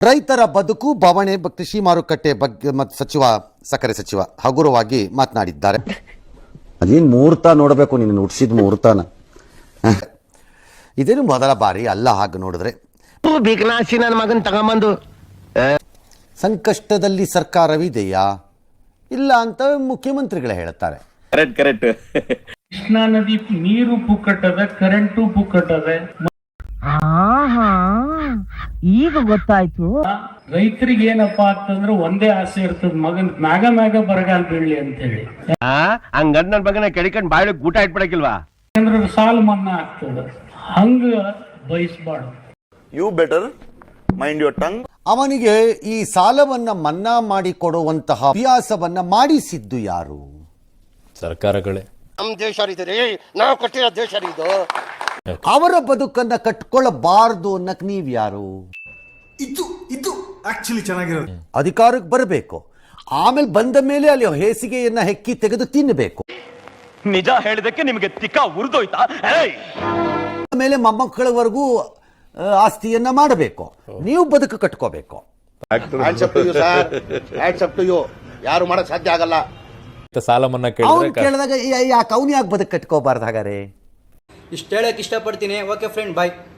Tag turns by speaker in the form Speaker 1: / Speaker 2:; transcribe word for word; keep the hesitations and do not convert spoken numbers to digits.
Speaker 1: ರೈತರ ಬದುಕು ಬವಣೆ ಕೃಷಿ ಮಾರುಕಟ್ಟೆ ಬಗ್ಗೆ ಮತ್ತು ಸಚಿವ ಸಕ್ಕರೆ ಸಚಿವ ಹಗುರವಾಗಿ ಮಾತನಾಡಿದ್ದಾರೆ.
Speaker 2: ಅದೇನು ಮುಹೂರ್ತ ನೋಡಬೇಕು, ನೀನು ಹುಟ್ಟಿಸಿದ ಮುಹೂರ್ತನ.
Speaker 1: ಇದೇನು ಮೊದಲ ಬಾರಿ ಅಲ್ಲ. ಹಾಗೆ ನೋಡಿದ್ರೆ
Speaker 3: ನನ್ನ ಮಗನ್ ತಗೊಂಬಂದು
Speaker 1: ಸಂಕಷ್ಟದಲ್ಲಿ ಸರ್ಕಾರವಿದೆಯಾ ಇಲ್ಲ ಅಂತ ಮುಖ್ಯಮಂತ್ರಿಗಳೇ ಹೇಳ್ತಾರೆ.
Speaker 4: ಕರೆಕ್ಟ್ ಕರೆಕ್ಟ್
Speaker 5: ಕೃಷ್ಣಾ ನದಿ ನೀರು ಪುಕ್ಕಟ್ಟದ, ಕರೆಂಟು ಪುಕ್ಕಟ್ಟದ.
Speaker 6: ಈಗ ಗೊತ್ತಾಯ್ತು.
Speaker 5: ರೈತರಿಗೆ ಏನಪ್ಪಾ ಅಂತಂದ್ರೆ ಒಂದೇ ಆಸೆ ಇರ್ತದ, ಮಗನ್ ಮ್ಯಾಗ ಮ್ಯಾಗ ಬರಗಾಲ ಬೀಳ್ಲಿ ಅಂತ ಹೇಳಿ.
Speaker 3: ಹಂಗಂದ್ ನನ್ ಮಗನ ಕೆಡಿಕೊಂಡ್ ಬಾಳೆ ಊಟ ಇಟ್ಬಿಡಕಿಲ್ವಾ?
Speaker 5: ಯಾಕಂದ್ರೆ ಸಾಲ ಮನ್ನಾ ಆಗ್ತದ, ಹಂಗ ಬಯಸ್ಬಾರ್ದು.
Speaker 4: You better mind your tongue.
Speaker 1: ಅವನಿಗೆ ಈ ಸಾಲವನ್ನ ಮನ್ನಾ ಮಾಡಿಕೊಡುವಂತಹ ಅಭ್ಯಾಸವನ್ನ ಮಾಡಿಸಿದ್ದು ಯಾರು?
Speaker 7: ಸರ್ಕಾರಗಳೇ.
Speaker 3: ನಮ್ ದೇಶ ರೀ, ನಾವು ಕೊಟ್ಟಿರೋ ದೇಶ ಇದು.
Speaker 1: ಅವರ ಬದುಕನ್ನ ಕಟ್ಕೊಳ್ಳಬಾರದು ಅನ್ನಕ್ ನೀವ್ ಯಾರು?
Speaker 8: ಇದು ಇದು ಆಕ್ಚುಲಿ ಚೆನ್ನಾಗಿರೋದು.
Speaker 1: ಅಧಿಕಾರಕ್ಕೆ ಬರಬೇಕು, ಆಮೇಲೆ ಬಂದ ಮೇಲೆ ಅಲ್ಲಿ ಹೇಸಿಗೆಯನ್ನ ಹೆಕ್ಕಿ ತೆಗೆದು ತಿನ್ನಬೇಕು.
Speaker 4: ನಿಜ ಹೇಳಿದಕ್ಕೆ ನಿಮಗೆ ತಿಕ್ಕ ಉರಿದೋಯ್ತಾ?
Speaker 1: ಆಮೇಲೆ ಮೊಮ್ಮಕ್ಕಳವರೆಗೂ ಆಸ್ತಿಯನ್ನ ಮಾಡಬೇಕು, ನೀವು ಬದುಕು ಕಟ್ಕೋಬೇಕು.
Speaker 3: ಯಾರು ಮಾಡಕ್ ಸಾಧ್ಯ ಆಗಲ್ಲ.
Speaker 7: ಸಾಲ ಮನ್ನಾ
Speaker 1: ಅವ್ನು ಕೇಳಿದಾಗ ಯಾಕೆ ಅವ್ನು ಯಾಕೆ ಬದುಕು ಕಟ್ಕೋಬಾರ್ದು? ಹಾಗಾರೆ
Speaker 9: ಇಷ್ಟ ಹೇಳಕ್ ಇಷ್ಟಪಡ್ತೀನಿ. ಓಕೆ ಫ್ರೆಂಡ್, ಬಾಯ್.